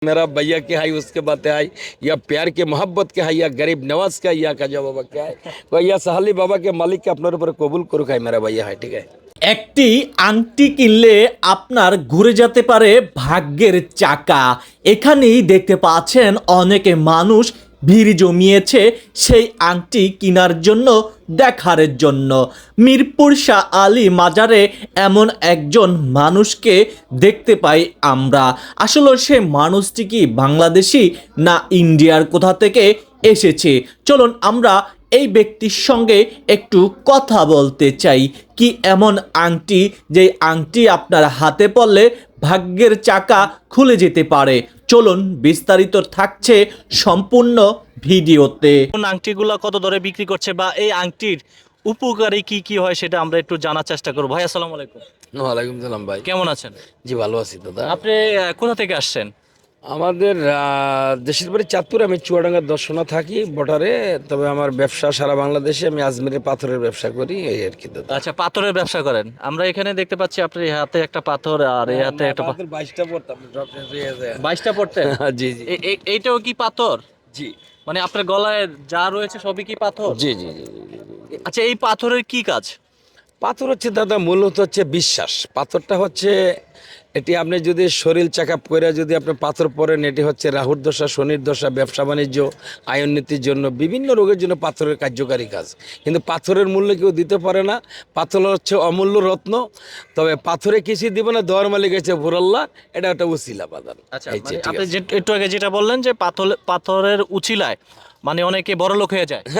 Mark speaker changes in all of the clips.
Speaker 1: मेरा भैया क्या है उसके बातें आई या प्यार के मोहब्बत क्या है या गरीब नवाज का या काजा बाबा क्या है भैया साहली बाबा के मालिक के अपने ऊपर कबूल करो है मेरा भैया है ठीक है।
Speaker 2: একটি আংটি কিনলে আপনার ঘুরে যেতে পারে ভাগ্যের চাকা। এখানেই দেখতে পাচ্ছেন অনেকে মানুষ ভিড় জমিয়েছে সেই আংটি কেনার জন্য, দেখার জন্য। মিরপুর শাহ আলী মাজারে এমন একজন মানুষকে দেখতে পাই আমরা। আসলে সে মানুষটি কি বাংলাদেশি না ইন্ডিয়ার কোথা থেকে এসেছে? চলুন আমরা এই ব্যক্তির সঙ্গে একটু কথা বলতে চাই। কি এমন আংটি যে আংটি আপনার হাতে পড়লে ভাগ্যের চাকা খুলে যেতে পারে? চলুন বিস্তারিত থাকছে সম্পূর্ণ ভিডিওতে।
Speaker 3: কোন আংটিগুলো কত দরে বিক্রি করছে বা এই আংটির উপকারী কি কি হয় সেটা আমরা একটু জানার চেষ্টা করব। ভাই আসসালামু আলাইকুম।
Speaker 1: ওয়ালাইকুম সালাম ভাই,
Speaker 3: কেমন আছেন?
Speaker 1: জি ভালো আছি দাদা।
Speaker 3: আপনি কোথা থেকে আসছেন?
Speaker 1: আমাদের দেশের বাড়ি চাঁদপুর, আমি চুয়াডাঙ্গার দর্শনা থাকি বর্ডারে, তবে আমার ব্যবসা সারা বাংলাদেশে, আমি আজমিরের পাথরের ব্যবসা করি এই আর কি দাদা।
Speaker 3: আচ্ছা, পাথরের ব্যবসা করেন। আমরা এখানে দেখতে পাচ্ছি আপনার এই হাতে একটা পাথর আর এই হাতে একটা
Speaker 1: 22টা পড়তাম
Speaker 3: 22টা পড়তেন।
Speaker 1: জি জি
Speaker 3: এইটাও কি পাথর?
Speaker 1: জি
Speaker 3: মানে আপনার গলায় যা রয়েছে সবই কি পাথর?
Speaker 1: জি জি জি জি।
Speaker 3: আচ্ছা, এই পাথরের কি কাজ?
Speaker 1: পাথর হচ্ছে দাদা মূলত হচ্ছে বিশ্বাস। পাথরটা হচ্ছে এটি আপনি যদি শরীর চেক আপ করে যদি আপনি পাথর পরেন, এটি হচ্ছে রাহুর দশা, শনির দশা, ব্যবসা বাণিজ্য, আয়োন্নতির জন্য, বিভিন্ন রোগের জন্য পাথরের কার্যকারী কাজ। কিন্তু পাথরের মূল্য কেউ দিতে পারে না। পাথর হচ্ছে অমূল্য রত্ন, তবে পাথরে কিছু দিব না, দেওয়ার মালিক হচ্ছে ভোরাল্লাহ, এটা একটা উসিলা বাদান।
Speaker 3: আচ্ছা, মানে আপনি একটু আগে যেটা বললেন যে পাথরের উছিলায় মানে অনেকে বড় লোক হয়ে যায়।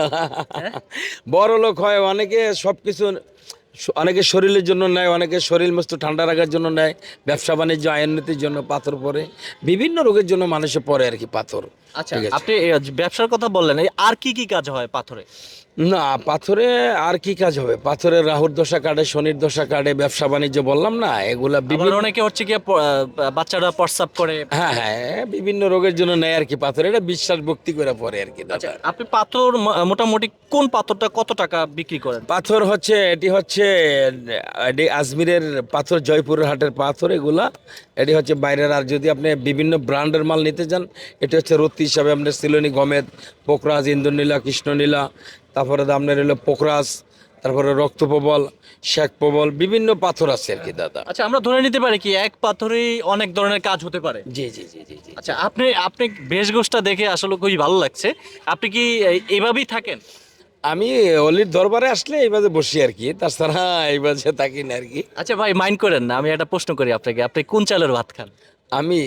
Speaker 1: বড় লোক হয় অনেকে, সব কিছু অনেকে শরীরের জন্য নেয়, অনেকে শরীর মস্ত ঠান্ডা রাখার জন্য নেয়, ব্যবসা বাণিজ্য আয়োন্নতির জন্য পাথর পরে, বিভিন্ন রোগের জন্য মানুষে পরে আর কি পাথর।
Speaker 3: আচ্ছা,
Speaker 1: ঠিক আছে।
Speaker 3: আপনি ব্যবসার কথা বললেন, এই আর কি কি কাজ হয় পাথরে?
Speaker 1: না, পাথরে আর কি কাজ হবে? পাথরে রাহুর দশা কাটে, শনির দশা কাটে, ব্যবসা বাণিজ্য বললাম না, এগুলা
Speaker 3: আবার
Speaker 1: বিভিন্ন,
Speaker 3: অনেকে হচ্ছে কি বাচ্চারা প্রস্রাব করে।
Speaker 1: হ্যাঁ হ্যাঁ, বিভিন্ন রোগের জন্য নেয় আর কি পাথর। এটা বিশ্বাস ভক্তি করে পরে আর কি
Speaker 3: আচ্ছা,
Speaker 1: দাদা।
Speaker 3: আপনি পাথর মোটামুটি কোন পাথরটা কত টাকা বিক্রি করেন?
Speaker 1: পাথর হচ্ছে এটি হচ্ছে এটি আজমিরের পাথর, জয়পুরের হাটের পাথর এগুলা। এটি হচ্ছে বাইরের, আর যদি আপনি বিভিন্ন ব্র্যান্ডের মাল নিতে যান, এটি হচ্ছে রত্তি হিসাবে আপনার সিলোনি, গমেদ, পোকরাজ, ইন্দ্রনীলা, কৃষ্ণনীলা, তারপরে আপনার হলো পোকরাজ, তারপরে রক্তপ্রবল, শেখ প্রবল, বিভিন্ন পাথর আছে আর কি দাদা।
Speaker 3: আচ্ছা, আমরা ধরে নিতে পারি কি এক পাথরেই অনেক ধরনের কাজ হতে পারে?
Speaker 1: জি জি জি জি জি।
Speaker 3: আচ্ছা, আপনি আপনি বেশগোছটা দেখে আসলে খুবই ভালো লাগছে। আপনি কি এইভাবেই থাকেন?
Speaker 1: আমি অলির দরবারে আসলে এইভাবে বসি আর কি, তাছাড়া এইভাবে থাকি না আর কি।
Speaker 3: আচ্ছা ভাই, মাইন্ড করেন না, আমি একটা প্রশ্ন করি আপনাকে, আপনি কোন চালের ভাত খান?
Speaker 1: আমি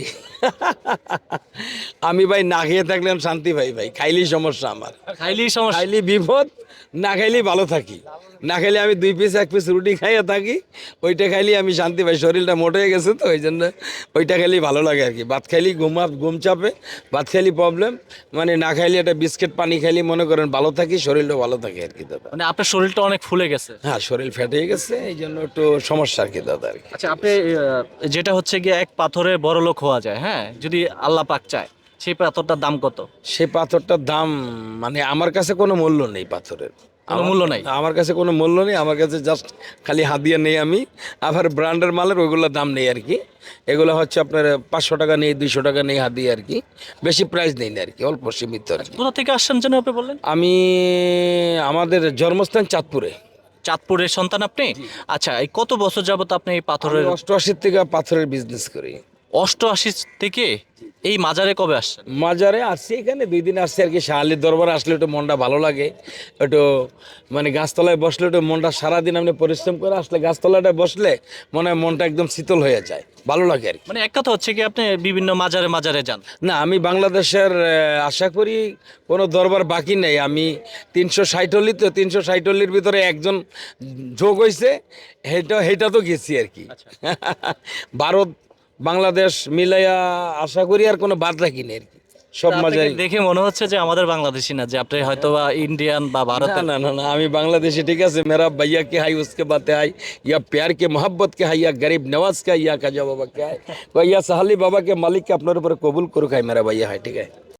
Speaker 1: আমি ভাই না খেয়ে থাকলে আমি শান্তি পাই ভাই, খাইলেই সমস্যা আমার।
Speaker 3: খাইলেই সমস্যা।
Speaker 1: খাইলে বিপদ, না খাইলেই ভালো থাকি। না খাইলে আমি 2 পিস 1 পিস রুটি খাইয়ে থাকি, ওইটা খাইলেই আমি শান্তি পাই। শরীরটা মোটা হয়ে গেছে তো, ওই জন্য ওইটা খাইলেই ভালো লাগে আর কি। ভাত খাইলেই ঘুম চাপে, ভাত খাইলেই প্রবলেম, মানে না খাইলে একটা বিস্কিট পানি খাইলেই মনে করেন ভালো থাকি, শরীরটা ভালো থাকে আর কি দাদা।
Speaker 3: মানে আপনার শরীরটা অনেক ফুলে গেছে।
Speaker 1: হ্যাঁ, শরীর ফেটে গেছে, এই জন্য একটু সমস্যা আর কি দাদা আর কি।
Speaker 3: আচ্ছা, আপনি যেটা হচ্ছে গিয়ে এক পাথরে বড় লোক হওয়া যায়, হ্যাঁ, যদি আল্লাহ পাক চায়, সেই পাথরটার দাম কত?
Speaker 1: সেই পাথরটার দাম মানে আমার কাছে কোনো মূল্য নেই পাথরের।
Speaker 3: কোনো মূল্য নাই?
Speaker 1: আমার কাছে কোনো মূল্য নেই, আমার কাছে জাস্ট খালি হাদিয়া নেই আমি। আবার ব্র্যান্ডের মালের ওইগুলোর দাম নেই আর কি। এগুলো হচ্ছে আপনার 500 টাকা নেই, 200 টাকা নেই হাদিয়া আর কি। বেশি প্রাইস নেই না আর কি, অল্প সীমিত আর কি।
Speaker 3: কোথা থেকে আসছেন যেন আপনি বললেন?
Speaker 1: আমি, আমাদের জন্মস্থান চাঁদপুরে।
Speaker 3: চাঁদপুরের সন্তান আপনি? আচ্ছা, এই কত বছর যাবত আপনি এই পাথরের?
Speaker 1: 88 থেকে পাথরের বিজনেস করি।
Speaker 3: 88 থেকে এই মাজারে কবে আসছেন?
Speaker 1: মাজারে আসছি, এখানে 2 দিন আসছি আর কি। শাহালির দরবারে আসলে একটু মনটা ভালো লাগে, একটু মানে গাছতলায় বসলে একটু মনটা, সারাদিন আপনি পরিশ্রম করে আসলে গাছতলাটা বসলে মনে হয় মনটা একদম শীতল হয়ে যায়, ভালো লাগে আর কি।
Speaker 3: মানে এক কথা হচ্ছে কি আপনি বিভিন্ন মাজারে মাজারে যান?
Speaker 1: না, আমি বাংলাদেশের আশা করি কোনো দরবার বাকি নেই। আমি 360 তো 360 ভিতরে একজন যোগ হয়েছে, হেটা তো গেছি আর কি। ভারত বাংলাদেশ মিলাইয়া আশা করি আর কোনো বাদ রাখি নেই আর কি, সব
Speaker 3: আপনাকে
Speaker 1: মাজারি।
Speaker 3: দেখে মনে হচ্ছে যে আমাদের বাংলাদেশি না, যে আপনি হয়তো বা ইন্ডিয়ান বা
Speaker 1: না
Speaker 3: ভারতের।
Speaker 1: ना ना ना, আমি বাংলাদেশি ঠিক আছে। मेरा भैया क्या है उसके बातें आई या प्यार के मोहब्बत क्या है या गरीब नवाज का या काजा बाबा क्या है भैया साहली बाबा के मालिक के अपने ऊपर कबूल करो है मेरा भैया है ठीक है।